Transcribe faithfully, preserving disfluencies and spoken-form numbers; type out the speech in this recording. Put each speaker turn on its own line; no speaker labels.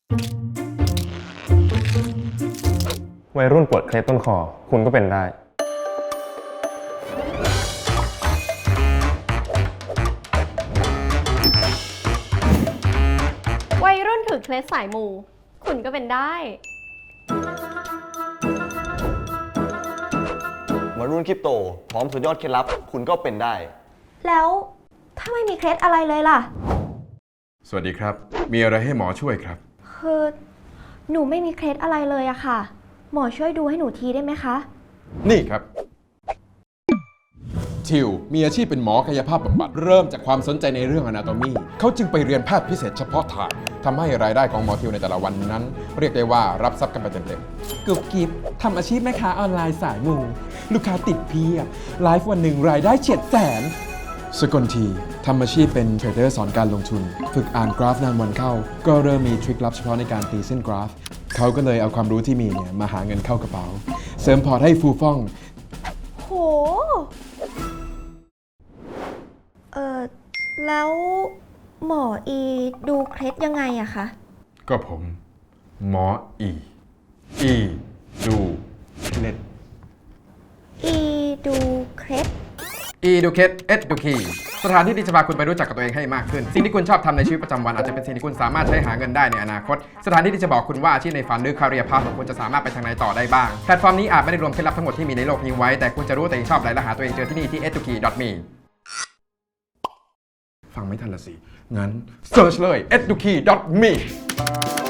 วัยรุ่นปวดเคล็ดต้นคอคุณก็เป็นได้
วัยรุ่นถือเคล็ดสายมู คุณก็เป็นได้
วัยรุ่นคริปโตพร้อมสุดยอดเคล็ดลับคุณก็เป็นได้
แล้วถ้าไม่มีเคล็ดอะไรเลยล่ะ
สวัสดีครับมีอะไรให้หมอช่วยครับ
คือหนูไม่มีเคล็ดอะไรเลยอะค่ะหมอช่วยดูให้หนูทีได้ไหมคะ
นี่ครับทิวมีอาชีพเป็นหมอกายภาพบำบัดเริ่มจากความสนใจในเรื่องอนาโตมีเขาจึงไปเรียนแพทย์พิเศษเฉพาะทางทำให้รายได้ของหมอทิวในแต่ละวันนั้น เรียกได้ว่ารับทรัพย์กันไปเต็มๆกุบกิบทำอาชีพแม่ค้าออนไลน์สายมูลูกค้าติดเพียบไลฟ์วันหนึ่งรายได้เฉียดแสนสกลทีทำอาชีพเป็นเทรดเดอร์สอนการลงทุนฝึกอ่านกราฟนานวันเข้าก็เริ่มมีทริคลับเฉพาะในการตีเส้นกราฟเขาก็เลยเอาความรู้ที่มีเนี่ยมาหาเงินเข้ากระเป๋าเสริมพอร์ตให้ฟูฟ่อง
โหเออแล้วหมออีดูเคล็ดยังไงอะคะ
ก็ผม หมออี อีดูเคล็ด
อีดูเคล็ด
อีดูเคล็ดเอ็ดดูคีสถานที่ที่จะพาคุณไปรู้จักกับตัวเองให้มากขึ้นสิ่งที่คุณชอบทำในชีวิตประจำวันอาจจะเป็นสิ่งที่คุณสามารถใช้หาเงินได้ในอนาคตสถานที่ที่จะบอกคุณว่าอาชีพในฝันหรือ career path ของคุณจะสามารถไปทางไหนต่อได้บ้างแพลตฟอร์มนี้อาจไม่ได้รวมเคล็ดลับทั้งหมดที่มีในโลกนี้ไว้แต่คุณจะรู้ว่าตัวเองชอบอะไรและหาตัวเองเจอที่นี่ที่ เอ็ด ทู คี ดอท มี ฟังไม่ทันละสิงั้น search เลย เอ็ด ทู คี ดอท มี